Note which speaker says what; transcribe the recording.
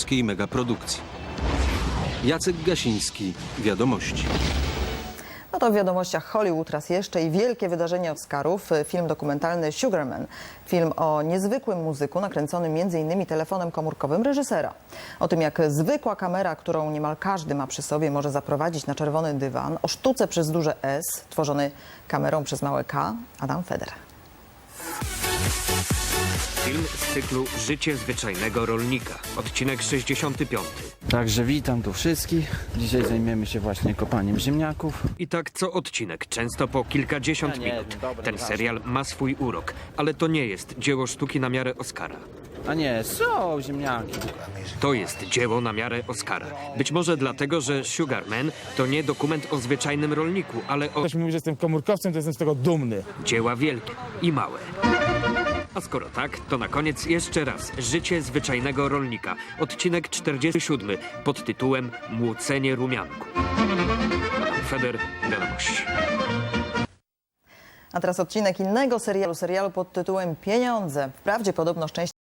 Speaker 1: polskiej megaprodukcji. Jacek Gasiński, Wiadomości.
Speaker 2: No to w wiadomościach Hollywood raz jeszcze i wielkie wydarzenie Oscarów. Film dokumentalny Sugarman. Film o niezwykłym muzyku nakręcony m.in. telefonem komórkowym reżysera. O tym, jak zwykła kamera, którą niemal każdy ma przy sobie, może zaprowadzić na czerwony dywan. O sztuce przez duże S, tworzony kamerą przez małe K. Adam Feder.
Speaker 3: Film z cyklu Życie zwyczajnego rolnika. Odcinek 65.
Speaker 4: Także witam tu wszystkich. Dzisiaj zajmiemy się właśnie kopaniem ziemniaków.
Speaker 3: I tak co odcinek, często po kilkadziesiąt minut. Ten serial ma swój urok, ale to nie jest dzieło sztuki na miarę Oscara.
Speaker 4: A nie, są ziemniaki.
Speaker 3: To jest dzieło na miarę Oscara. Być może dlatego, że Sugarman to nie dokument o zwyczajnym rolniku, ale o
Speaker 5: Ktoś mi mówi, że jestem komórkowcem, to jestem z tego dumny.
Speaker 3: dzieła wielkie i małe. A skoro tak, to na koniec jeszcze raz Życie zwyczajnego rolnika. Odcinek 47 pod tytułem Młócenie rumianku. Feder, Wiadomości.
Speaker 2: A teraz odcinek innego serialu pod tytułem Pieniądze. Wprawdzie podobno szczęście